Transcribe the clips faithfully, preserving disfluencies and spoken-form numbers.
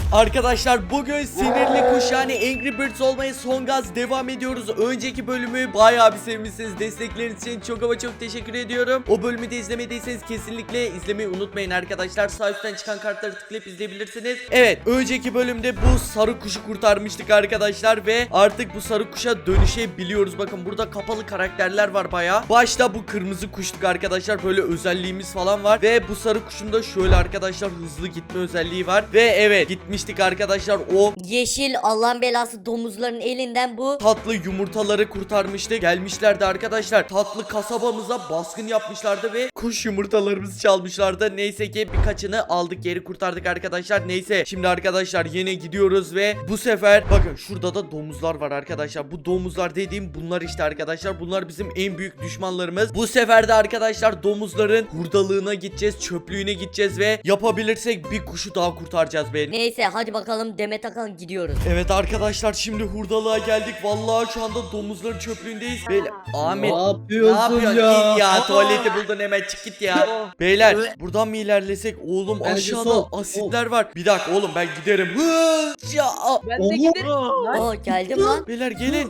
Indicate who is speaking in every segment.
Speaker 1: Arkadaşlar bugün sinirli kuş yani Angry Birds olmaya son gaz devam ediyoruz. Önceki bölümü bayağı bir sevmişsiniz. Destekleriniz için çok ama çok teşekkür ediyorum. O bölümü de izlemediyseniz kesinlikle izlemeyi unutmayın arkadaşlar. Sağ üstten çıkan kartları tıklayıp izleyebilirsiniz. Evet, önceki bölümde bu sarı kuşu kurtarmıştık arkadaşlar ve artık bu sarı kuşa dönüşebiliyoruz. Bakın burada kapalı karakterler var bayağı. Başta bu kırmızı kuştuk arkadaşlar. Böyle özelliğimiz falan var ve bu sarı kuşun da şöyle arkadaşlar hızlı gitme özelliği var. Ve evet, gitmiştik arkadaşlar, o
Speaker 2: Yeşil Allah'ın belası domuzların elinden bu
Speaker 1: tatlı yumurtaları kurtarmıştı. Gelmişlerdi arkadaşlar, tatlı kasabamıza baskın yapmışlardı ve kuş yumurtalarımızı çalmışlardı. Neyse ki birkaçını aldık, geri kurtardık arkadaşlar. Neyse, şimdi arkadaşlar yine gidiyoruz ve bu sefer bakın şurada da domuzlar var arkadaşlar. Bu domuzlar dediğim bunlar işte arkadaşlar. Bunlar bizim en büyük düşmanlarımız. Bu sefer de arkadaşlar domuzların hurdalığına gideceğiz, çöplüğüne gideceğiz ve yapabilirsek bir kuşu daha kurtaracağız be.
Speaker 2: Neyse hadi bakalım Demet Akan gidiyoruz.
Speaker 1: Evet arkadaşlar, şimdi hurdalığa geldik. Vallahi şu anda domuzların çöplüğündeyiz. Beyler, Ahmet
Speaker 3: Ne yapıyorsun,
Speaker 1: ne yapıyorsun?
Speaker 3: ya?
Speaker 1: Git ya,
Speaker 3: Aa!
Speaker 1: tuvaleti buldun, hemen çık git ya. Beyler, buradan mı ilerlesek? Oğlum
Speaker 3: Bence
Speaker 1: aşağıda
Speaker 3: sol.
Speaker 1: asitler var. Bir dakika oğlum, ben giderim. Hı, ya.
Speaker 4: Ben de
Speaker 3: Oha!
Speaker 4: giderim. Lan.
Speaker 2: Oo geldim lan.
Speaker 1: Beyler gelin.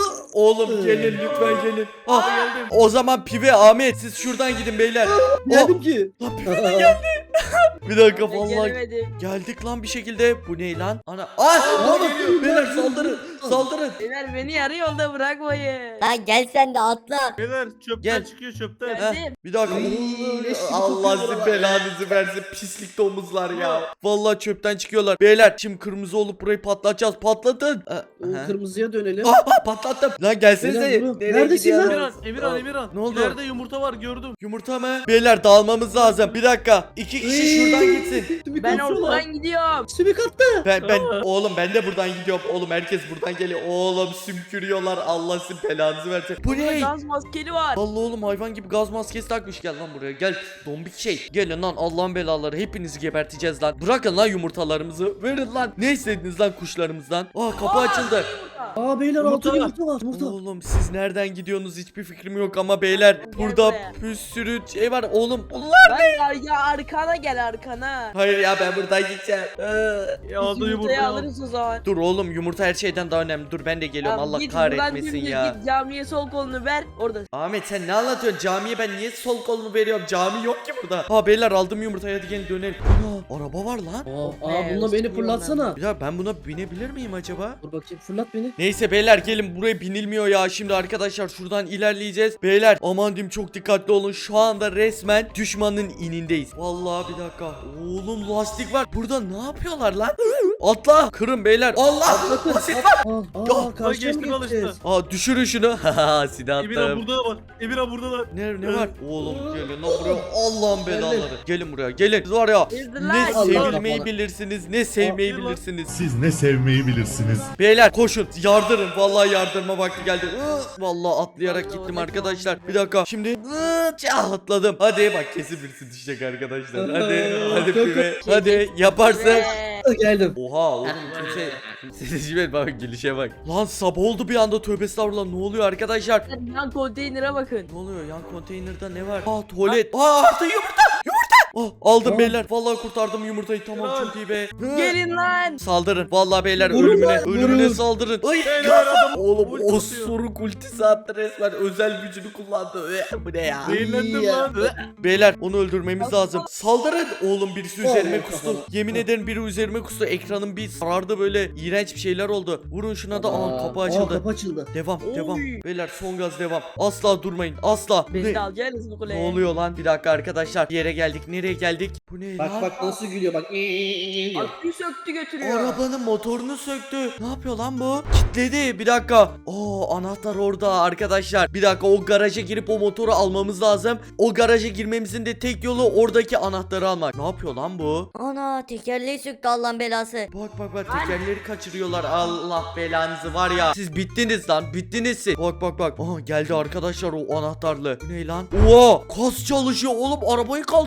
Speaker 1: Oğlum gelin lütfen gelin. Ah, o zaman Pive, Ahmet siz şuradan gidin beyler.
Speaker 3: Geldim ki.
Speaker 1: Lan Pive de geldi. Bir dakika,
Speaker 4: Ben
Speaker 1: vallahi
Speaker 4: gelemedim.
Speaker 1: geldik lan bir şekilde. Bu ne lan? Ana. Ah!
Speaker 3: Aa,
Speaker 1: Geliyor. Beyler saldırın. Saldırın.
Speaker 4: Beyler beni yarı yolda bırakmayın.
Speaker 2: Lan gel sen de atla.
Speaker 5: Beyler çöpten
Speaker 1: Gel.
Speaker 5: çıkıyor çöpten.
Speaker 4: Geldim.
Speaker 1: Heh, bir dakika.
Speaker 3: Ay, leş gibi
Speaker 1: Allah
Speaker 3: kokuyor
Speaker 1: sizin
Speaker 3: oralar
Speaker 1: belanızı versin, pislik domuzlar ya. Vallahi çöpten çıkıyorlar. Beyler, şimdi kırmızı olup burayı patlatacağız. Patlatın. Aa,
Speaker 3: O
Speaker 1: aha.
Speaker 3: kırmızıya dönelim.
Speaker 1: Ah, ah, patlattım. Lan gelsenize.
Speaker 3: Beyler, durun.
Speaker 1: Nereye
Speaker 3: Neredesin lan?
Speaker 1: gidiyorsunuz?
Speaker 5: Emirhan, Emirhan, Emirhan.
Speaker 1: Ne oldu?
Speaker 5: İleride yumurta var gördüm.
Speaker 1: Yumurta mı? Beyler dağılmamız lazım. Bir dakika. İki kişi şuradan gitsin.
Speaker 3: Sümük
Speaker 4: Ben
Speaker 3: atıyorlar.
Speaker 4: oradan gidiyorum.
Speaker 3: Sümük attı.
Speaker 1: Ben ben oğlum ben de buradan gidiyorum. Oğlum herkes buradan geliyor. Oğlum sümkürüyorlar. Allah sizin belanızı versin. Bu
Speaker 4: Burada
Speaker 1: ne?
Speaker 4: gaz maskeli var.
Speaker 1: Allah oğlum, hayvan gibi gaz maskesi takmış. Gel lan buraya, gel dombik şey. Gelin lan, Allah'ın belaları, hepinizi geberteceğiz lan. Bırakın lan yumurtalarımızı, verin lan. Ne istediniz lan kuşlarımızdan? Aa, kapı açıldı.
Speaker 3: Aa beyler
Speaker 5: Yumurta
Speaker 3: altın
Speaker 5: var.
Speaker 3: yumurta var. Yumurta.
Speaker 1: Oğlum siz nereden gidiyorsunuz hiçbir fikrim yok ama beyler, burada
Speaker 4: buraya.
Speaker 1: bir sürü şey var oğlum. Allah.
Speaker 4: Ben ya, ya arkana gel arkana.
Speaker 1: Hayır ya, ben buradan gideceğim. Ee,
Speaker 5: Ya aldı
Speaker 4: Biz yumurtayı
Speaker 5: yumurtayı al.
Speaker 4: alırız o zaman.
Speaker 1: Dur oğlum, yumurta her şeyden daha önemli. Dur ben de geliyorum.
Speaker 4: Ya
Speaker 1: Allah
Speaker 4: git buradan
Speaker 1: kahretmesin
Speaker 4: dümdüz
Speaker 1: ya.
Speaker 4: Git camiye sol kolunu ver orada.
Speaker 1: Ahmet sen ne anlatıyorsun? Camiye ben niye sol kolumu veriyorum? Cami yok ki burada. Ha beyler, aldım yumurtayı, hadi gelin dönelim. Ana, araba var lan.
Speaker 3: Aa,
Speaker 4: Be,
Speaker 3: aa bununla beni
Speaker 4: ısınıyorum
Speaker 3: fırlatsana.
Speaker 1: Bir dakika, ben buna binebilir miyim acaba?
Speaker 3: Dur bakayım fırlat beni.
Speaker 1: Neyse beyler, gelin, buraya binilmiyor ya. Şimdi arkadaşlar şuradan ilerleyeceğiz. Beyler aman diyeyim, çok dikkatli olun. Şu anda resmen düşmanın inindeyiz. Vallahi bir dakika. Oğlum lastik var. Burada ne yapıyorlar lan? Atla. Kırın beyler. Allah. Basit var.
Speaker 3: Aa,
Speaker 1: Ya,
Speaker 3: aa karşıya mı
Speaker 5: geçtim al işte.
Speaker 3: geçeceğiz?
Speaker 1: Aa, düşürün şunu. Haha, silah
Speaker 5: Emirhan
Speaker 1: attım.
Speaker 5: burada da var. Emirhan burada da var.
Speaker 1: Ne ne var? Oğlum gelin lan buraya. Allah'ın belaları. Gelin buraya. Gelin. Siz var ya,
Speaker 4: Ezdir
Speaker 1: ne
Speaker 4: lan.
Speaker 1: sevilmeyi
Speaker 3: Allah.
Speaker 1: bilirsiniz, ne sevmeyi
Speaker 5: Aa,
Speaker 1: bilirsiniz.
Speaker 6: Siz ne sevmeyi bilirsiniz.
Speaker 1: Beyler koşun, yardırın. Vallahi yardırma vakti geldi. Iı, Vallahi atlayarak
Speaker 4: Allah
Speaker 1: gittim
Speaker 4: Allah.
Speaker 1: arkadaşlar. Bir dakika. Şimdi ıı, çah, atladım. Hadi bak, kesin birisi düşecek arkadaşlar. Hadi hadi
Speaker 3: Yok, yok.
Speaker 1: pibe. Hadi yaparsın.
Speaker 4: Be.
Speaker 3: Aa, geldim.
Speaker 1: Oha oğlum, kimse kimse bak, gelişe bak. Lan sabah oldu bir anda, tövbe estağfurullah. Ne oluyor arkadaşlar?
Speaker 4: Yan konteynere bakın.
Speaker 1: Ne oluyor? Yan konteynerde ne var? Aa, tuvalet. Aa, artı yumurta. Yumurta. Ah, aldım
Speaker 3: Aa.
Speaker 1: beyler. Vallahi kurtardım yumurtayı. Tamam, çok iyi be. Hı.
Speaker 4: Gelin lan.
Speaker 1: Saldırın. Vallahi beyler,
Speaker 3: Vurun
Speaker 1: ölümüne
Speaker 3: lan,
Speaker 1: ölümüne
Speaker 3: vurun.
Speaker 1: saldırın. Ay,
Speaker 5: Beyler,
Speaker 1: gaz-
Speaker 5: adam
Speaker 1: Oğlum
Speaker 5: ulti
Speaker 1: o
Speaker 5: atıyor.
Speaker 1: soruk ultisi attı resmen. Özel gücünü kullandı. Ee, Bu ne ya?
Speaker 5: Zehirlendim
Speaker 3: Ya.
Speaker 5: lan.
Speaker 1: Beyler onu öldürmemiz lazım. Saldırın. Oğlum birisi üzerime
Speaker 3: Allah
Speaker 1: kustu.
Speaker 3: Allah.
Speaker 1: Yemin ederim biri üzerime kustu. Ekranım bir sarardı, böyle iğrenç bir şeyler oldu. Vurun şuna da. Aa, kapı
Speaker 3: Aa,
Speaker 1: açıldı.
Speaker 3: kapı açıldı.
Speaker 1: Devam
Speaker 4: Oy.
Speaker 1: devam. Beyler son gaz devam. Asla durmayın. Asla. Bu
Speaker 4: Beni
Speaker 1: ne?
Speaker 4: de alacaksınız bu
Speaker 1: Ne
Speaker 4: kuleye.
Speaker 1: oluyor lan? Bir dakika arkadaşlar. Bir yere geldik. Nereye geldik? Bu ne
Speaker 3: Bak
Speaker 1: lan?
Speaker 3: bak nasıl gülüyor bak. diyor.
Speaker 4: Aküyü söktü götürüyor.
Speaker 1: Arabanın motorunu söktü. Ne yapıyor lan bu? Kitledi. Bir dakika. Oo, anahtar orada arkadaşlar. Bir dakika, o garaja girip o motoru almamız lazım. O garaja girmemizin de tek yolu oradaki anahtarı almak. Ne yapıyor lan bu?
Speaker 2: Ana tekerleği söktü Allah'ın belası.
Speaker 1: Bak bak bak, tekerleri kaçırıyorlar. Allah belanızı var ya. Siz bittiniz lan. Bittiniz siz. Bak bak bak. Aha, geldi arkadaşlar o anahtarlı. Bu ne lan? Oha, kas çalışıyor oğlum. Arabayı kaldırıyor tek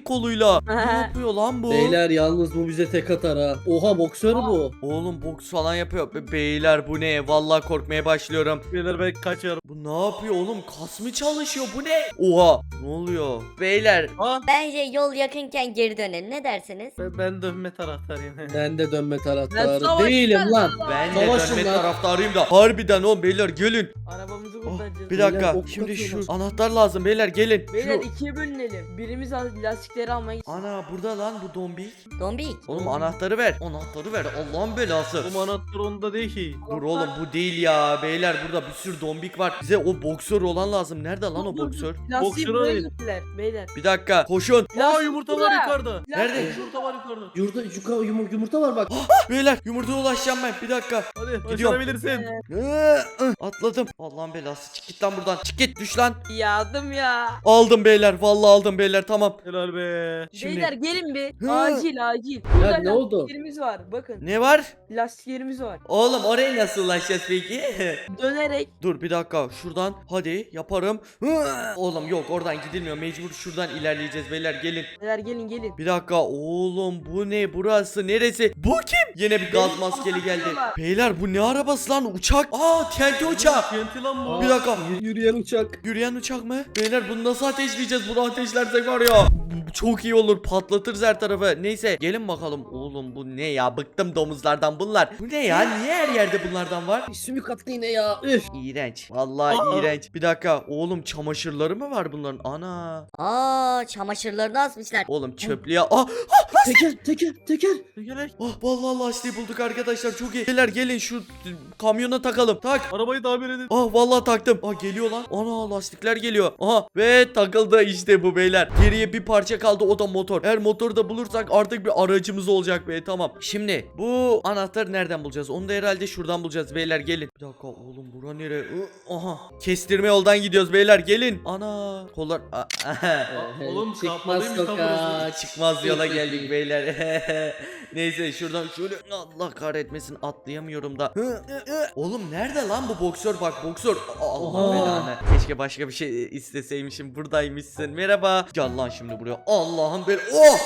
Speaker 1: tek koluyla. Ne yapıyor lan bu?
Speaker 3: Beyler yalnız bu bize tek atar ha. Oha boksör bu.
Speaker 1: Oğlum boks falan yapıyor. Be- Beyler bu ne? Vallahi korkmaya başlıyorum.
Speaker 5: Beyler ben kaçıyorum.
Speaker 1: Bu ne yapıyor oğlum? Kas mı çalışıyor? Bu ne? Oha. Ne oluyor? Beyler.
Speaker 5: Aa
Speaker 2: Bence yol yakınken geri dönelim. Ne dersiniz?
Speaker 5: ben, ben dönme taraftarıyım.
Speaker 3: Ben de dönme
Speaker 4: Ben
Speaker 3: taraftarı
Speaker 4: savaşçı
Speaker 3: değilim lan.
Speaker 1: Ben de
Speaker 3: Savaşın
Speaker 1: dönme
Speaker 3: lan.
Speaker 1: taraftarıyım da. Harbiden oğlum beyler gelin.
Speaker 4: Arabamızı
Speaker 1: Oh,
Speaker 4: kurtaracağız.
Speaker 1: bir dakika.
Speaker 3: Beyler, ok
Speaker 1: Şimdi şu
Speaker 3: atıyorlar.
Speaker 1: anahtar lazım beyler gelin.
Speaker 4: Beyler
Speaker 1: Şu...
Speaker 4: ikiye bölünelim. Birimiz al- lastikleri almaya gitsin.
Speaker 1: Ana burada lan bu dombik.
Speaker 2: Dombik.
Speaker 1: Oğlum anahtarı ver. Anahtarı ver. Allah'ın belası.
Speaker 5: Bu anahtar onda değil ki.
Speaker 1: Dur oğlum bu değil ya. Beyler burada bir sürü dombik var. Bize o boksör olan lazım. Nerede lan o boksör?
Speaker 4: Lastiği
Speaker 5: Boksör
Speaker 4: buraya
Speaker 5: arayın.
Speaker 4: gittiler beyler.
Speaker 1: Bir dakika. Koşun.
Speaker 5: Aa yumurta var
Speaker 4: burada.
Speaker 5: yukarıda.
Speaker 1: Nerede?
Speaker 5: Yumurta var yukarıda.
Speaker 3: Yurda, yuka, yum- yumurta var bak.
Speaker 1: Beyler yumurtaya ulaşacağım ben. Bir dakika.
Speaker 5: Hadi
Speaker 1: Gidiyorum.
Speaker 5: başarabilirsin.
Speaker 1: Ee, ıh, Atladım. Allah'ın belası. Çık git lan buradan. Çık git. Düş lan.
Speaker 4: Yardım ya.
Speaker 1: Aldım beyler. Vallahi aldım beyler. Tamam.
Speaker 5: Helal be.
Speaker 1: Şimdi-
Speaker 4: Beyler gelin bir.
Speaker 1: Hı.
Speaker 4: Acil acil.
Speaker 3: Ya
Speaker 4: Burada
Speaker 3: ne oldu?
Speaker 4: lastiklerimiz var. Bakın.
Speaker 1: Ne var?
Speaker 4: Lastiklerimiz var.
Speaker 1: Oğlum oraya nasıl ulaşacağız peki?
Speaker 4: Dönerek.
Speaker 1: Dur bir dakika. Şuradan. Hadi yaparım. Hı. Oğlum yok oradan gidilmiyor. Mecbur şuradan ilerleyeceğiz beyler. Gelin.
Speaker 4: Beyler gelin gelin.
Speaker 1: Bir dakika. Oğlum bu ne? Burası neresi? Bu kim? Yine bir gaz maskeli geldi. Beyler bu ne arabası lan? Uçak. Aa T N T uçağı.
Speaker 5: Kenti lan bu.
Speaker 1: Bir dakika.
Speaker 3: Y- yürüyen uçak.
Speaker 1: Yürüyen uçak mı? Beyler bunu nasıl ateşleyeceğiz? Bunu ateşlersek var ya. Çok iyi olur. Patlatırız her tarafı. Neyse gelin bakalım. Oğlum bu ne ya? Bıktım domuzlardan bunlar. Bu ne ya? Niye her yerde bunlardan var?
Speaker 3: Sümük attı yine ya. Üf.
Speaker 1: İğrenç. Vallahi
Speaker 5: Aa.
Speaker 1: iğrenç. Bir dakika. Oğlum çamaşırları mı var bunların? Ana.
Speaker 2: Aa çamaşırlarını asmışlar.
Speaker 1: Oğlum çöplüğe. Ah.
Speaker 3: Teker teker teker.
Speaker 5: Gelek.
Speaker 1: Ah vallahi lastiği bulduk arkadaşlar. Çok iyi. Beyler gelin şu kamyona takalım. Tak.
Speaker 5: Arabayı tamir edin.
Speaker 1: Ah vallahi taktım. Ah geliyor lan. Ana lastikler geliyor. Aha ve takıldı işte bu beyler. Geriye bir parça kaldı o da motor. Eğer motoru da bulursak artık bir aracımız olacak be. Tamam. Şimdi bu anahtarı nereden bulacağız? Onu da herhalde şuradan bulacağız beyler gelin. Bir dakika oğlum bura nere? Ih, Aha. Kestirme yoldan gidiyoruz beyler gelin. Ana. Kollar. Ah, aha.
Speaker 5: Aa, oğlum
Speaker 3: Çıkmaz
Speaker 5: kapalıymış lan
Speaker 3: sokağa.
Speaker 5: burası.
Speaker 1: Çıkmaz yola geldik beyler. Neyse şuradan şöyle Allah kahretmesin atlayamıyorum da. Oğlum nerede lan bu boksör bak boksör. Allah
Speaker 3: Oha.
Speaker 1: belanı. Keşke başka bir şey isteseymişim. Buradaymışsın. Merhaba. Gel lan şimdi buraya. Allah'ım bel. Oh!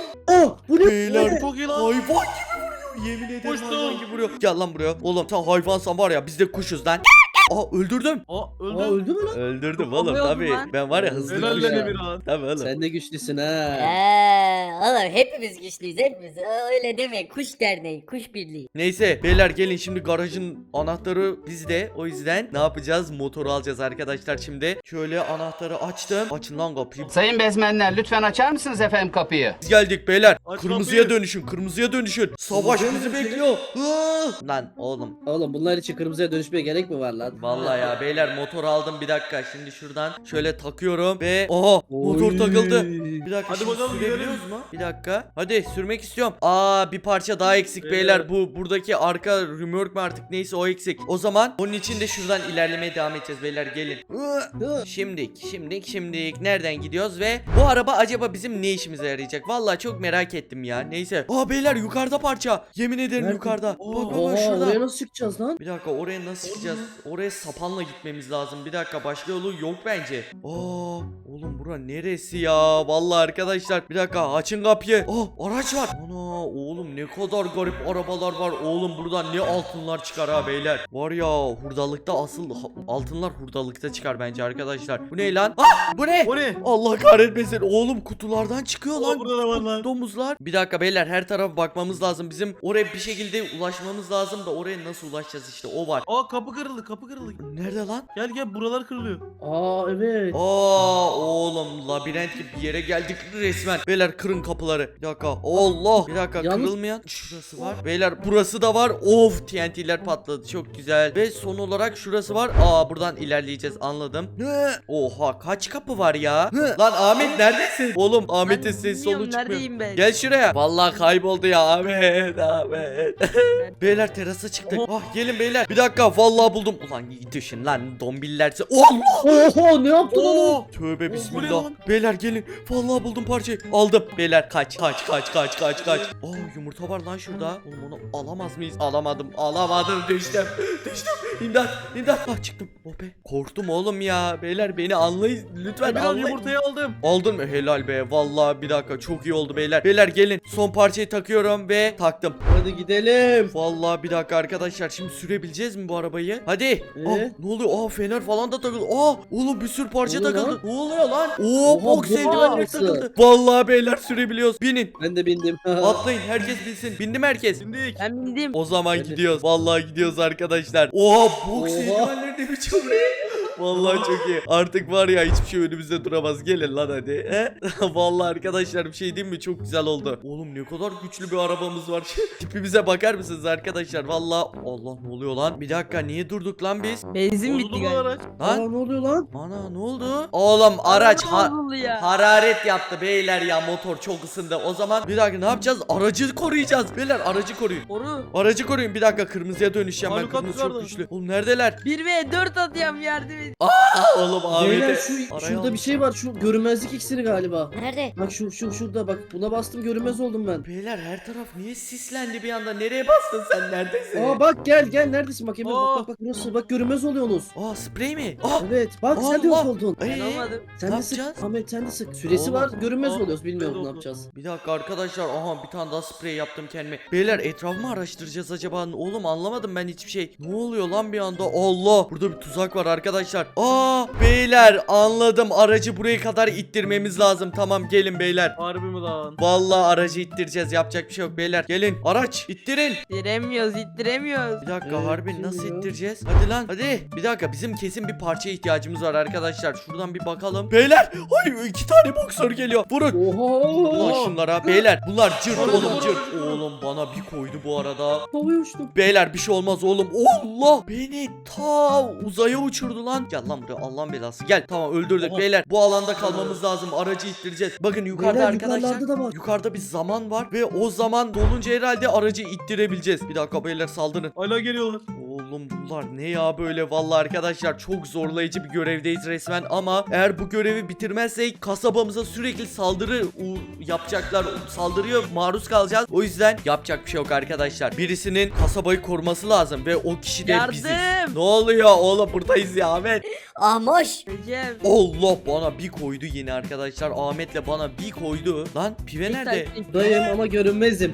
Speaker 3: Oh bu ne?
Speaker 1: Beyler
Speaker 5: Çok iyi lan.
Speaker 1: hayvan gibi vuruyor. Yemin ederim
Speaker 5: Koştum.
Speaker 1: hayvan gibi vuruyor. Gel lan buraya. Oğlum sen hayvansan var ya biz de kuşuz lan. Aa öldürdüm.
Speaker 5: Aa
Speaker 3: Aa
Speaker 5: öldü.
Speaker 3: öldü mü lan?
Speaker 1: Öldürdüm
Speaker 4: Oğlum,
Speaker 1: oğlum tabii.
Speaker 4: lan.
Speaker 1: Ben var ya hızlı
Speaker 5: Helal
Speaker 1: kuşum.
Speaker 5: lan Emirhan.
Speaker 1: Tabii oğlum.
Speaker 3: Sen de güçlüsün ha.
Speaker 2: Eee oğlum hepimiz güçlüyüz hepimiz. Aa, öyle deme kuş derneği kuş birliği.
Speaker 1: Neyse beyler gelin şimdi garajın anahtarı bizde. O yüzden ne yapacağız? Motoru alacağız arkadaşlar şimdi. Şöyle anahtarı açtım. Açın lan kapıyı.
Speaker 7: Sayın bezmenler lütfen açar mısınız efendim kapıyı?
Speaker 1: Biz geldik beyler.
Speaker 5: Aç
Speaker 1: Kırmızıya
Speaker 5: kapıyı.
Speaker 1: dönüşün. Kırmızıya dönüşün. Savaş
Speaker 3: Kırmızıya
Speaker 1: bizi
Speaker 3: dönüşün.
Speaker 1: bekliyor. Hı! Lan oğlum.
Speaker 3: Oğlum bunlar için kırmızıya dönüşmeye gerek mi var lan?
Speaker 1: Vallahi ya beyler motor aldım bir dakika. Şimdi şuradan şöyle takıyorum ve oha motor
Speaker 3: Oy.
Speaker 1: takıldı. Bir dakika
Speaker 5: Hadi
Speaker 1: şimdi
Speaker 5: bakalım,
Speaker 1: sürebiliyoruz
Speaker 5: gidelim.
Speaker 1: mu? Bir dakika. Hadi sürmek istiyorum. Aa bir parça daha eksik beyler.
Speaker 5: Beyler.
Speaker 1: Bu buradaki arka römork mu artık neyse o eksik. O zaman onun için de şuradan ilerlemeye devam edeceğiz beyler gelin.
Speaker 3: Hı.
Speaker 1: Şimdik, şimdik, şimdik. Nereden gidiyoruz ve bu araba acaba bizim ne işimize yarayacak? Vallahi çok merak ettim ya. Neyse. Aa beyler yukarıda parça. Yemin ederim
Speaker 3: Nerede?
Speaker 1: yukarıda. Bak bak bak
Speaker 3: Oha
Speaker 1: şurada.
Speaker 3: oraya nasıl çıkacağız lan?
Speaker 1: Bir dakika oraya nasıl çıkacağız? Oraya sapanla gitmemiz lazım. Bir dakika başka yolu yok bence. Aa oğlum bura neresi ya? Vallahi arkadaşlar bir dakika açın kapıyı. Aa araç var. Ana oğlum ne kadar garip arabalar var. Oğlum buradan ne altınlar çıkar ha beyler. Var ya hurdalıkta asıl ha- altınlar hurdalıkta çıkar bence arkadaşlar. Bu ne lan? Ah bu ne?
Speaker 5: O ne?
Speaker 1: Allah kahretmesin. Oğlum kutulardan çıkıyor
Speaker 5: Aa,
Speaker 1: lan.
Speaker 5: burada da var lan.
Speaker 1: Domuzlar. Bir dakika beyler her tarafa bakmamız lazım. Bizim oraya bir şekilde ulaşmamız lazım da oraya nasıl ulaşacağız işte o var.
Speaker 5: Aa kapı kırıldı kapı kırıldı.
Speaker 1: Nerede lan?
Speaker 5: Gel gel buralar kırılıyor.
Speaker 3: Aa evet.
Speaker 1: Aa oğlum labirent gibi bir yere geldik resmen. Beyler kırın kapıları. Bir dakika. Allah. Bir dakika
Speaker 3: Yalnız-
Speaker 1: kırılmayan şurası var. Beyler burası da var. Of T N T'ler patladı. Çok güzel. Ve son olarak şurası var. Aa buradan ilerleyeceğiz anladım. Hı. Oha kaç kapı var ya? Hı. Lan Ahmet neredesin? Oğlum Ahmet'in
Speaker 4: Ben
Speaker 1: ses
Speaker 4: bilmiyorum,
Speaker 1: solu çıkmıyor.
Speaker 4: neredeyim ben?
Speaker 1: Gel şuraya. Vallahi kayboldu ya Ahmet. Ahmet. Beyler terasa çıktık. Ah gelin beyler. Bir dakika vallahi buldum. Ulan düşün lan dombillerse. Allah!
Speaker 3: Oho ne yaptın oğlum?
Speaker 5: Oo.
Speaker 1: Tövbe
Speaker 5: Oh, bu ne
Speaker 1: bismillah.
Speaker 5: lan?
Speaker 1: Beyler gelin. Vallahi buldum parçayı. Aldım. Beyler kaç kaç kaç kaç kaç kaç. Aa yumurta var lan şurada. Oğlum onu alamaz mıyız? Alamadım. Alamadım. Düştüm. Düştüm. İmdat. İmdat. Ah çıktım. Oh be. Korktum oğlum ya. Beyler beni anlayın. Lütfen
Speaker 5: Ben
Speaker 1: anlayın.
Speaker 5: yumurtayı aldım.
Speaker 1: Aldın mı? Helal be. Vallahi bir dakika çok iyi oldu beyler. Beyler gelin. Son parçayı takıyorum ve taktım.
Speaker 3: Hadi gidelim.
Speaker 1: Vallahi bir dakika arkadaşlar. Şimdi sürebileceğiz mi bu arabayı? Hadi.
Speaker 3: Ee?
Speaker 1: Aa, ne oluyor? Aa fener falan da takıldı. Aa oğlum bir sürü parça
Speaker 3: Ne oluyor
Speaker 1: takıldı.
Speaker 3: lan?
Speaker 1: Ne oluyor lan? Oo
Speaker 3: Oha,
Speaker 1: boks
Speaker 3: bu
Speaker 1: eldivenler
Speaker 3: nasıl?
Speaker 1: takıldı. Vallahi beyler sürebiliyoruz. Binin.
Speaker 3: Ben de bindim.
Speaker 1: Atlayın. Herkes bilsin. Bindi mi herkes?
Speaker 5: Şimdi
Speaker 4: Ben bindim.
Speaker 1: O zaman
Speaker 3: Hadi.
Speaker 1: gidiyoruz. Vallahi gidiyoruz arkadaşlar. Oha boks
Speaker 3: Oha.
Speaker 1: eldivenleri de bir çok Vallahi çok iyi. Artık var ya hiçbir şey önümüzde duramaz. Gelin lan hadi. He? Vallahi arkadaşlar bir şey diyeyim mi? Çok güzel oldu. Oğlum ne kadar güçlü bir arabamız var. Tipimize bakar mısınız arkadaşlar? Vallahi Allah ne oluyor lan? Bir dakika niye durduk lan biz?
Speaker 4: Benzin bitti
Speaker 5: bozuldu bu
Speaker 4: galiba.
Speaker 5: araç.
Speaker 3: Aa
Speaker 1: Lan
Speaker 3: ne oluyor lan?
Speaker 1: ana ne oldu? Oğlum araç ha-
Speaker 4: Bozuldu ya.
Speaker 1: hararet yaptı beyler ya, motor çok ısındı. O zaman bir dakika ne yapacağız? Aracı koruyacağız. Beyler aracı koruyun.
Speaker 4: Oru.
Speaker 1: Aracı koruyun. Bir dakika kırmızıya dönüşeceğim ben.
Speaker 5: Malukat
Speaker 1: Kırmızı çok
Speaker 5: yukarıda.
Speaker 1: güçlü. Oğlum neredeler?
Speaker 4: bir ve dört atıyorum yardım et.
Speaker 1: Aa, oğlum
Speaker 3: Beyler
Speaker 1: Ahmet'e
Speaker 3: şu
Speaker 1: araya
Speaker 3: şurada bir şey var. Şu görünmezlik iksiri galiba.
Speaker 2: Nerede?
Speaker 3: Bak şu şu şurada bak. Buna bastım görünmez oldum ben.
Speaker 1: Beyler her taraf niye sislendi bir anda? Nereye bastın sen? Neredesin?
Speaker 3: Aa bak gel gel neredesin bak Emre
Speaker 5: Aa.
Speaker 3: bak bak bak burası bak görünmez oluyorsunuz.
Speaker 1: Aa sprey mi? Aa
Speaker 3: Evet bak sen de yok
Speaker 1: Allah.
Speaker 3: oldun.
Speaker 4: Ben
Speaker 1: Ee,
Speaker 4: olmadım.
Speaker 3: Sen
Speaker 1: ne
Speaker 3: de sık
Speaker 1: yapacağız?
Speaker 3: Ahmet sen de sık. Süresi
Speaker 1: Oğlum.
Speaker 3: var görünmez
Speaker 5: Aa,
Speaker 3: oluyoruz bilmiyorum
Speaker 5: ben de
Speaker 3: ne
Speaker 5: oldum.
Speaker 3: yapacağız.
Speaker 1: Bir dakika arkadaşlar, aha bir tane daha sprey yaptım kendime. Beyler etrafımı araştıracağız acaba? Oğlum anlamadım ben hiçbir şey. Ne oluyor lan bir anda? Allah, burada bir tuzak var arkadaşlar. Aa beyler anladım, aracı buraya kadar ittirmemiz lazım. Tamam gelin beyler.
Speaker 5: Harbi mi lan?
Speaker 1: Vallahi aracı ittireceğiz, yapacak bir şey yok beyler. Gelin araç ittirin.
Speaker 4: İttiremiyoruz ittiremiyoruz.
Speaker 1: Bir dakika
Speaker 3: Evet,
Speaker 1: harbi
Speaker 3: kim
Speaker 1: nasıl
Speaker 3: ya?
Speaker 1: ittireceğiz? Hadi lan hadi. Bir dakika bizim kesin bir parçaya ihtiyacımız var arkadaşlar. Şuradan bir bakalım. Beyler ay iki tane boksör geliyor. Vurun. Ulan
Speaker 3: Oha.
Speaker 1: şunlara beyler, bunlar cırt
Speaker 5: Vurun,
Speaker 1: oğlum
Speaker 5: vurun,
Speaker 1: cırt.
Speaker 5: vurun.
Speaker 1: Oğlum bana bir koydu bu arada.
Speaker 3: Havaya uçtum.
Speaker 1: Beyler bir şey olmaz oğlum. Allah beni ta uzaya uçurdu lan. Gel lan buraya Allah'ın belası. Gel tamam öldürdük
Speaker 3: Aha.
Speaker 1: beyler. Bu alanda kalmamız lazım. Aracı ittireceğiz. Bakın yukarıda
Speaker 3: Beyler,
Speaker 1: arkadaşlar.
Speaker 3: yukarılarda da var.
Speaker 1: Yukarıda bir zaman var ve o zaman dolunca herhalde aracı ittirebileceğiz. Bir dakika beyler saldırın.
Speaker 5: Hala geliyorlar.
Speaker 1: Oğlum bunlar ne ya böyle, vallahi arkadaşlar çok zorlayıcı bir görevdeyiz resmen ama eğer bu görevi bitirmezsek kasabamıza sürekli saldırı u- yapacaklar, saldırıya maruz kalacağız. O yüzden yapacak bir şey yok arkadaşlar. Birisinin kasabayı koruması lazım ve o kişi de
Speaker 4: Yardım.
Speaker 1: biziz. Ne oluyor oğlum, buradayız ya Ahmet.
Speaker 2: Ahmoş.
Speaker 4: Recep.
Speaker 1: Allah bana bir koydu yine arkadaşlar. Ahmet'le bana bir koydu. Lan pive nerede?
Speaker 3: Dayım ama görünmezim.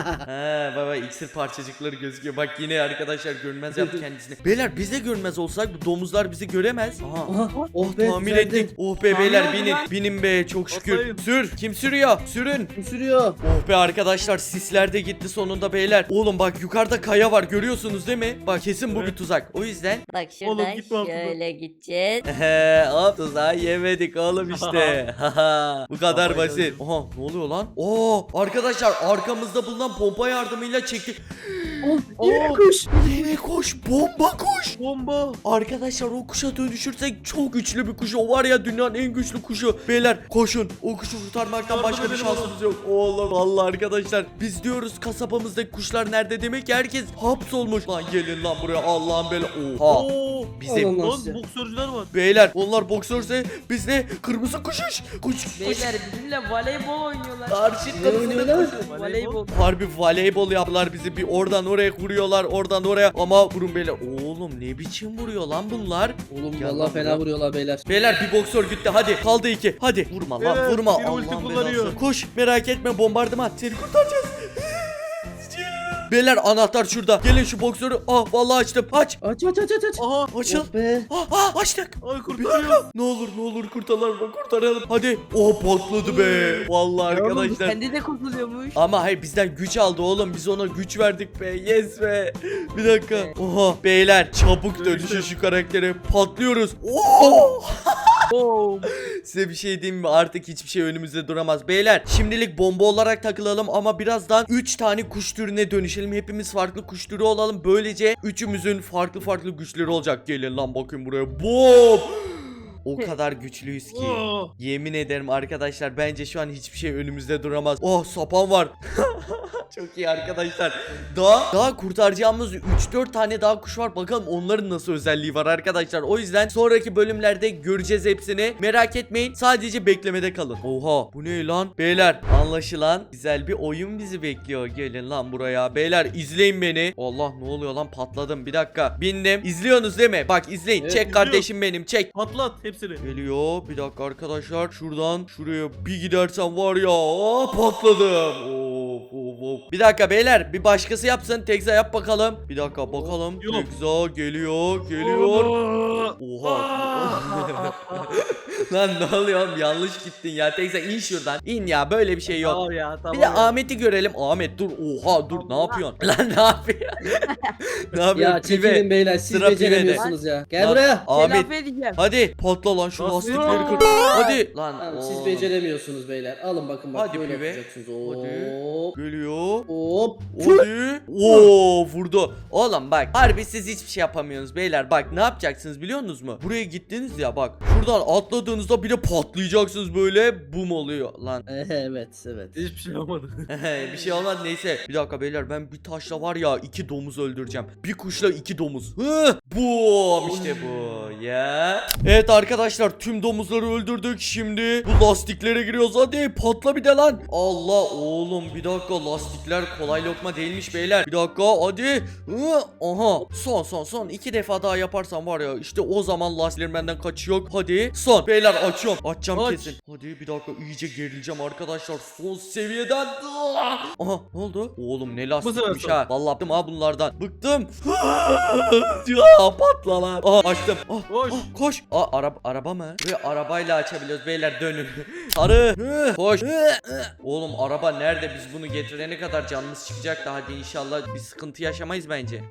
Speaker 1: He baba iksir parçacıkları gözüküyor. Bak yine arkadaşlar görünmez yaptı kendisini. Beyler biz de görünmez olsak bu domuzlar bizi göremez. Aha.
Speaker 3: Aha oh be
Speaker 1: Tamir
Speaker 3: düzeldi.
Speaker 1: ettik. Oh be beyler
Speaker 4: Tamam,
Speaker 1: binin.
Speaker 4: lan.
Speaker 1: Binin be çok şükür.
Speaker 5: Atlayın.
Speaker 1: Sür. Kim sürüyor? Sürün.
Speaker 3: Kim sürüyor?
Speaker 1: Oh be arkadaşlar sisler de gitti sonunda beyler. Oğlum bak yukarıda kaya var görüyorsunuz değil mi? Bak kesin bu bir
Speaker 5: Evet.
Speaker 1: tuzak. O yüzden
Speaker 2: Bak
Speaker 5: Oğlum,
Speaker 2: şuradan
Speaker 5: gitme altından.
Speaker 2: şöyle gideceğiz.
Speaker 1: Ehe, hop tuzağı yemedik oğlum işte. Haha, bu kadar
Speaker 5: Kafayı
Speaker 1: basit.
Speaker 5: yedim.
Speaker 1: Aha ne oluyor lan? Oo arkadaşlar arkamızda bulunan pompa yardımıyla çektik.
Speaker 3: Oh yine kuş.
Speaker 1: Deve kuş, bomba kuş.
Speaker 5: Bomba.
Speaker 1: Arkadaşlar o kuşa dönüşürsek çok güçlü bir kuş. O var ya dünyanın en güçlü kuşu. Beyler koşun. O kuşu kurtarmaktan
Speaker 5: Yardım
Speaker 1: başka bir
Speaker 5: edelim
Speaker 1: şansımız yok. Oğlum vallahi arkadaşlar. Biz diyoruz kasabamızdaki kuşlar nerede, demek ki herkes hapsolmuş. Lan gelin lan buraya Allah'ın bela. Oha.
Speaker 5: Oo.
Speaker 1: Bizim
Speaker 3: Allah'ım.
Speaker 5: Lan
Speaker 3: Nasıl?
Speaker 5: boksörcüler var.
Speaker 1: beyler onlar boksörse biz de kırmızı kuşuş. Kuş kuş.
Speaker 4: Beyler bizimle voleybol oynuyorlar.
Speaker 1: Karşı
Speaker 3: Ne
Speaker 1: kırmızı
Speaker 3: oynuyorlar?
Speaker 1: kuş.
Speaker 4: Voleybol.
Speaker 1: Harbi voleybol yaptılar bizi, bir oradan oraya vuruyorlar, oradan oraya, ama vurun beyler. Oğlum ne biçim vuruyor lan bunlar?
Speaker 3: Oğlum
Speaker 1: Gel lan
Speaker 3: vallahi
Speaker 1: buraya.
Speaker 3: fena vuruyorlar beyler.
Speaker 1: Beyler bir boksör gitti, hadi kaldı iki, hadi vurma lan
Speaker 5: Evet,
Speaker 1: vurma
Speaker 5: biri ulti
Speaker 1: Allah'ın
Speaker 5: kullanıyor.
Speaker 1: belası. Koş merak etme, bombardıman seni kurtaracağız. Beyler anahtar şurada, gelin şu boksörü. Ah vallahi açtım, aç
Speaker 3: Aç aç aç aç aç.
Speaker 5: Aha.
Speaker 1: açıl.
Speaker 3: Oh be.
Speaker 1: Ah, ah açtık.
Speaker 5: Ay
Speaker 1: Bir
Speaker 5: kurtarıyor.
Speaker 1: dakika. Ne olur ne olur kurtaralım kurtaralım. Hadi. Oh patladı be. Vallahi
Speaker 4: Oğlum
Speaker 1: arkadaşlar.
Speaker 4: kendi de kurtuluyormuş.
Speaker 1: Ama hayır bizden güç aldı oğlum. Biz ona güç verdik be. Yes be. Bir dakika. Oha beyler çabuk dönüşün şu karaktere. Patlıyoruz. Oo!
Speaker 4: Oo.
Speaker 1: Size bir şey diyeyim mi? Artık hiçbir şey önümüzde duramaz. Beyler şimdilik bomba olarak takılalım ama birazdan üç tane kuş türüne dönüşelim. Hepimiz farklı kuş türü olalım. Böylece üçümüzün farklı farklı güçleri olacak. Gelin lan bakın buraya. Bom! O kadar güçlüyüz ki.
Speaker 5: Oo.
Speaker 1: Yemin ederim arkadaşlar bence şu an hiçbir şey önümüzde duramaz. Oh sapan var. Çok iyi arkadaşlar. Daha daha kurtaracağımız üç dört tane daha kuş var. Bakalım onların nasıl özelliği var arkadaşlar. O yüzden sonraki bölümlerde göreceğiz hepsini. Merak etmeyin. Sadece beklemede kalın. Oha, bu ne lan? Beyler, anlaşılan güzel bir oyun bizi bekliyor. Gelin lan buraya. Beyler, izleyin beni. Allah, ne oluyor lan? Patladım. Bir dakika. Bindim. İzliyorsunuz değil mi? Bak izleyin.
Speaker 3: Evet,
Speaker 1: çek
Speaker 5: izliyorum.
Speaker 1: kardeşim benim. Çek.
Speaker 5: Patlat hepsini.
Speaker 1: Geliyor. Bir dakika arkadaşlar. Şuradan şuraya bir gidersem var ya. Aa, patladım. Of, of, of. Bir dakika beyler. Bir başkası yapsın. Tekza yap bakalım. Bir dakika bakalım.
Speaker 5: Yok.
Speaker 1: Tekza geliyor. Geliyor. Oha. Lan ne oluyor oğlum? Yanlış gittin ya. Tekza in şuradan. İn ya. Böyle bir şey yok.
Speaker 5: Tamam ya tamam.
Speaker 1: Bir de
Speaker 5: ya.
Speaker 1: Ahmet'i görelim. Ahmet dur. Oha dur. Ne yapıyorsun? Lan ne yapıyorsun? ne yapıyorsun?
Speaker 3: Ya çekilin
Speaker 1: Pive.
Speaker 3: beyler siz
Speaker 1: Sıra
Speaker 3: beceremiyorsunuz ya. Gel
Speaker 1: Lan,
Speaker 3: buraya.
Speaker 1: Ahmet.
Speaker 4: Telafi edeceğim.
Speaker 1: Hadi patla lan şu
Speaker 5: Nasıl?
Speaker 1: lastikleri kır. Hadi lan.
Speaker 3: Tamam, siz
Speaker 1: oğlum.
Speaker 3: beceremiyorsunuz beyler. Alın bakın bak
Speaker 1: Hadi
Speaker 3: böyle
Speaker 1: pibe.
Speaker 3: yapacaksınız.
Speaker 1: Hadi.
Speaker 3: Hop.
Speaker 1: Geliyor.
Speaker 3: Hop.
Speaker 1: Hadi. Oo vurdu. Oğlum bak harbi siz hiçbir şey yapamıyorsunuz beyler. Bak ne yapacaksınız biliyor musunuz mu? Buraya gittiniz ya bak. Şuradan atladığınızda bir de patlayacaksınız böyle. Bum oluyor lan.
Speaker 3: Evet evet.
Speaker 5: Hiçbir şey olmadı.
Speaker 1: bir şey olmaz neyse. Bir dakika beyler ben bir taşla var ya iki domuz öldüreceğim. Bir kuşla iki domuz. Hı, bum işte bu ya. Evet arkadaşlar tüm domuzları öldürdük. Şimdi bu lastiklere giriyoruz. Hadi patla bir de lan. Allah oğlum bir dakika lastikler kolay lokma değilmiş beyler. Bir dakika hadi. Hı, aha son son son iki defa daha yaparsam var ya işte o zaman lastiklerim benden kaçıyor. Hadi son beyler açıyorum. Açacağım
Speaker 5: Aç.
Speaker 1: kesin. Hadi bir dakika iyice gerileceğim arkadaşlar. Son seviyeden. Aha ne oldu? Oğlum ne lastikmiş
Speaker 5: sefer
Speaker 1: ha. Vallahi bıktım ha bunlardan. Bıktım. ya patla lan. Aha açtım. Ah,
Speaker 5: Koş.
Speaker 1: ah, koş. Aa araba araba mı? Ve arabayla açabiliyoruz beyler dönün. Sarı. Hı, koş. Hı, hı. Oğlum araba nerede? Biz bunu getirene kadar canımız çıkacak da hadi inşallah bir sıkıntı yaşamayız bence.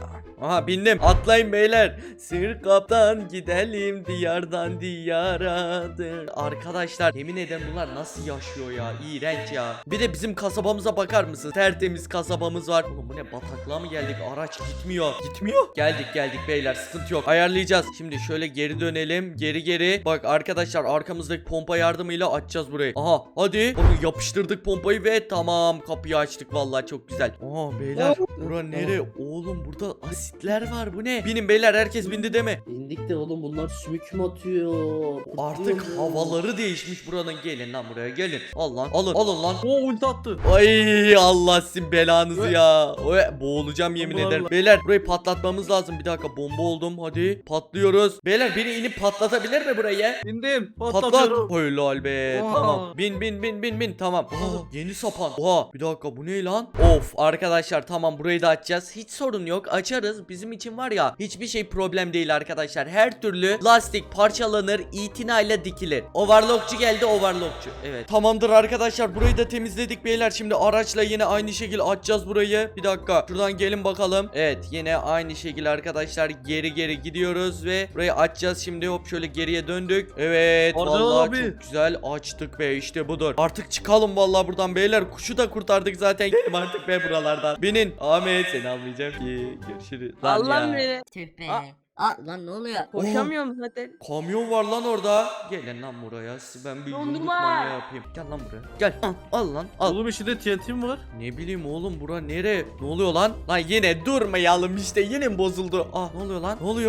Speaker 1: Aha bindim. Atlayın beyler. Sır kaptan gidelim diyardan diyaradır. Arkadaşlar yemin ederim bunlar nasıl yaşıyor ya? İğrenç ya. Bir de bizim kasabamıza bakar mısın? Tertemiz kasabamız var. Oğlum bu ne bataklığa mı geldik? Araç gitmiyor. Gitmiyor. Geldik geldik beyler sıkıntı yok. Ayarlayacağız. Şimdi şöyle geri dönelim. Geri geri. Bak arkadaşlar arkamızdaki pompa yardımıyla açacağız burayı. Aha hadi. Bakın yapıştırdık pompayı ve tamam kapıyı açtık vallahi çok güzel. Aha beyler bura nere? Oğlum burada asitler var bu ne? Binin beyler herkes bindi deme.
Speaker 3: İndik de oğlum bunlar sümük mü atıyor?
Speaker 1: Artık
Speaker 3: Pıtlıyor.
Speaker 1: havaları değişmiş buranın. Gelin lan buraya gelin. Al lan alın alın lan.
Speaker 5: O ulti attı.
Speaker 1: Ay Allah sizin belanızı ya. Oy, boğulacağım yemin
Speaker 5: Bombalarla.
Speaker 1: ederim. Beyler burayı patlatmamız lazım. Bir dakika bomba oldum. Hadi patlıyoruz. Beyler biri inip patlatabilir mi burayı?
Speaker 5: İndim.
Speaker 1: Patlat.
Speaker 5: Patlatıyorum.
Speaker 1: Helal be.
Speaker 5: Oha.
Speaker 1: Tamam. Bin bin bin bin bin. Tamam. Oha, yeni sapan. Oha. Bir dakika bu ne lan? Of arkadaşlar tamam burayı da açacağız. Hiç sorun yok. Açarız. Bizim için var ya hiçbir şey problem değil arkadaşlar. Her türlü lastik parçalanır, itinayla dikilir. Overlockçu geldi overlockçu. Evet. Tamamdır arkadaşlar. Burayı da temizledik beyler. Şimdi araçla yine aynı şekilde açacağız burayı. Bir dakika. Şuradan gelin bakalım. Evet. Yine aynı şekilde arkadaşlar geri geri gidiyoruz ve burayı açacağız. Şimdi hop şöyle geriye döndük. Evet.
Speaker 5: Arda
Speaker 1: Vallahi
Speaker 5: abi.
Speaker 1: çok güzel açtık be. İşte budur. Artık çıkalım vallahi buradan beyler. Kuşu da kurtardık zaten. Gidelim artık be buralardan. Binin. Ahmet seni almayacağım ki. Görüşürüz. Lan
Speaker 4: Allah'ım
Speaker 1: ya.
Speaker 4: beni.
Speaker 2: Tüh be.
Speaker 4: Aa.
Speaker 2: Aa lan ne oluyor?
Speaker 4: Koşamıyorum zaten.
Speaker 1: Kamyon var lan orada. Gelin lan buraya. Siz ben bir yumruk
Speaker 4: Dondurma.
Speaker 1: manyağı yapayım. Gel lan buraya. Gel. Al, al lan. Al.
Speaker 5: Oğlum içinde T N T mi var?
Speaker 1: Ne bileyim oğlum bura nere? Ne oluyor lan? Lan yine durmayalım işte yine mi bozuldu? Aa ne oluyor lan? Ne oluyor?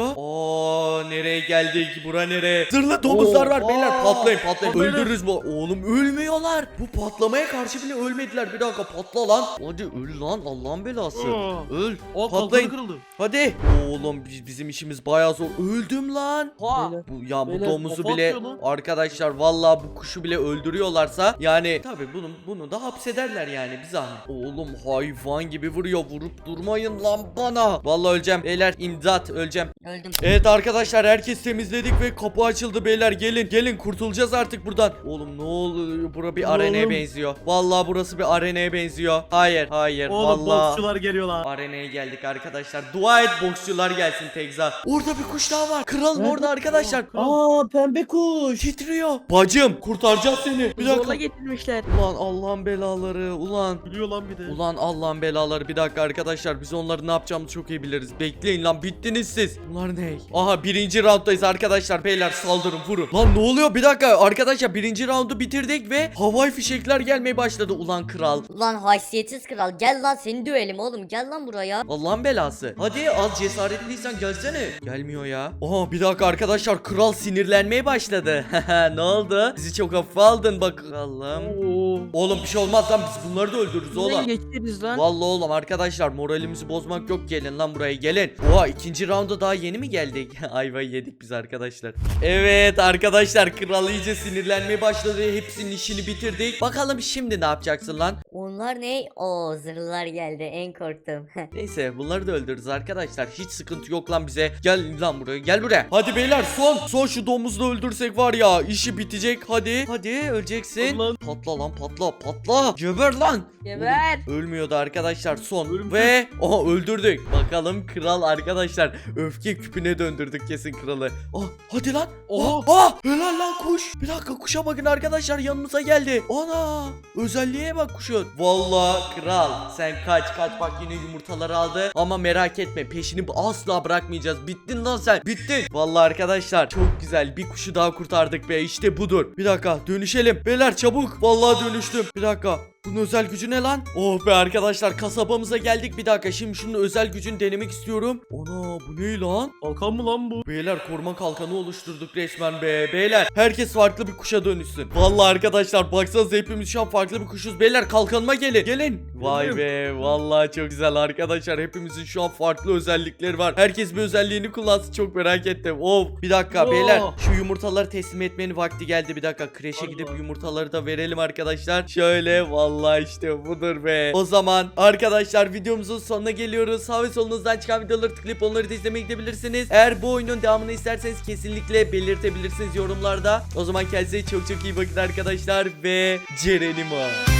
Speaker 1: Aa nereye geldik? Bura nere? Zırhlı domuzlar var
Speaker 3: Oo,
Speaker 1: beyler
Speaker 3: aa.
Speaker 1: patlayın patlayın.
Speaker 5: Patlayın.
Speaker 1: Öldürürüz bu. Oğlum ölmüyorlar. Bu patlamaya karşı bile ölmediler. Bir dakika patla lan. Hadi öl lan Allah'ın belası.
Speaker 5: Aa.
Speaker 1: Öl.
Speaker 5: O
Speaker 1: Patlayın.
Speaker 5: kalkanı kırıldı.
Speaker 1: Hadi. Oğlum biz- bizim işimiz bayağı zor. Öldüm lan.
Speaker 4: Ha.
Speaker 3: Beyler.
Speaker 1: Bu ya bu
Speaker 3: Beyler,
Speaker 1: domuzu
Speaker 5: kafa
Speaker 1: bile
Speaker 5: atıyor lan.
Speaker 1: arkadaşlar vallahi bu kuşu bile öldürüyorlarsa yani tabi bunu bunu da hapsederler yani bir zahmet. Oğlum hayvan gibi vuruyor vurup durmayın lan bana. Vallahi öleceğim beyler imdat öleceğim.
Speaker 2: Öldüm.
Speaker 1: Evet arkadaşlar herkes temizledik ve kapı açıldı beyler gelin gelin kurtulacağız artık buradan. Oğlum ne oluyor bura bir arenaya
Speaker 5: Oğlum.
Speaker 1: benziyor. Vallahi burası bir arenaya benziyor. Hayır hayır
Speaker 5: Oğlum
Speaker 1: vallahi.
Speaker 5: boksçular geliyorlar.
Speaker 1: Arenaya geldik arkadaşlar. Dua et boksçular gelsin Tekza. Orada bir kuş daha var. Kralın
Speaker 3: Nerede?
Speaker 1: orada arkadaşlar.
Speaker 3: Aa pembe kuş.
Speaker 1: Titriyor. Bacım kurtaracağız seni. Bir
Speaker 4: Zorla
Speaker 1: dakika.
Speaker 4: getirmişler.
Speaker 1: Ulan Allah'ın belaları. Ulan.
Speaker 5: Gülüyor lan bir de.
Speaker 1: Ulan Allah'ın belaları. Bir dakika arkadaşlar biz onları ne yapacağımızı çok iyi biliriz. Bekleyin lan bittiniz siz. Bunlar ne? Aha birinci rounddayız arkadaşlar. Beyler saldırın, vurun. Lan ne oluyor? Bir dakika arkadaşlar, birinci roundu bitirdik ve havai fişekler gelmeye başladı. Ulan kral.
Speaker 2: Ulan haysiyetsiz kral, gel lan seni dövelim oğlum, gel lan buraya.
Speaker 1: Allah'ın belası. Hadi az cesaretliysen gelsene. Gelmiyor ya. Aha bir dakika arkadaşlar, kral sinirlenmeye başladı. Ne oldu? Bizi çok hafife aldın bakalım.
Speaker 5: Oo.
Speaker 1: Oğlum bir şey olmaz lan, biz bunları da öldürürüz
Speaker 4: Buradan
Speaker 1: oğlum.
Speaker 4: geçeriz lan.
Speaker 1: Vallahi oğlum arkadaşlar, moralimizi bozmak yok, gelin lan buraya gelin. Oha ikinci rounda daha yeni mi geldik? Ayvayı yedik biz arkadaşlar. Evet arkadaşlar, kral iyice sinirlenmeye başladı. Hepsinin işini bitirdik. Bakalım şimdi ne yapacaksın lan?
Speaker 2: Onlar ne? Oo, zırhlar geldi, en korktum.
Speaker 1: Neyse bunları da öldürürüz arkadaşlar. Hiç sıkıntı yok lan bize. Gel lan buraya, gel buraya. Hadi beyler, son son şu domuzu da öldürsek var ya, işi bitecek. Hadi hadi öleceksin.
Speaker 5: Lan.
Speaker 1: Patla lan, patla patla. Geber lan.
Speaker 4: Geber.
Speaker 1: Ölmüyordu arkadaşlar, son.
Speaker 5: Ölümsüz.
Speaker 1: Ve oha öldürdük. Bakalım kral arkadaşlar, öfke küpüne döndürdük kesin kralı. Ah hadi lan.
Speaker 5: Oha.
Speaker 1: Ah, ah helal lan kuş. Bir dakika, kuşa bakın arkadaşlar, yanımıza geldi. Ana özelliğe bak kuşun. Vallahi kral sen kaç kaç, bak yine yumurtaları aldı. Ama merak etme, peşini asla bırakmayacağız. Bittin lan sen, bittin. Vallahi arkadaşlar çok güzel, bir kuşu daha kurtardık be, işte budur. Bir dakika dönüşelim beyler, çabuk. Vallahi dönüştüm. Bir dakika, bunun özel gücü ne lan? Oh be arkadaşlar, kasabamıza geldik. Bir dakika, şimdi şunun özel gücünü denemek istiyorum. Ana bu ne lan?
Speaker 5: Kalkan mı lan bu?
Speaker 1: Beyler koruma kalkanı oluşturduk resmen be. Beyler herkes farklı bir kuşa dönüşsün. Vallahi arkadaşlar baksanıza, hepimiz şu an farklı bir kuşuz. Beyler kalkanıma gelin. Gelin. Vay be, vallahi çok güzel arkadaşlar. Hepimizin şu an farklı özellikleri var. Herkes bir özelliğini kullansın, çok merak ettim. Of bir dakika
Speaker 5: Oo.
Speaker 1: beyler, şu yumurtaları teslim etmenin vakti geldi. Bir dakika, kreşe
Speaker 5: Allah.
Speaker 1: gidip yumurtaları da verelim arkadaşlar. Şöyle, vallahi işte budur be. O zaman arkadaşlar videomuzun sonuna geliyoruz. Sağ ve solunuzdan çıkan videoları tıklayıp onları da izlemeye gidebilirsiniz. Eğer bu oyunun devamını isterseniz kesinlikle belirtebilirsiniz yorumlarda. O zaman kendinize çok çok iyi bakın arkadaşlar ve Ceren'im o.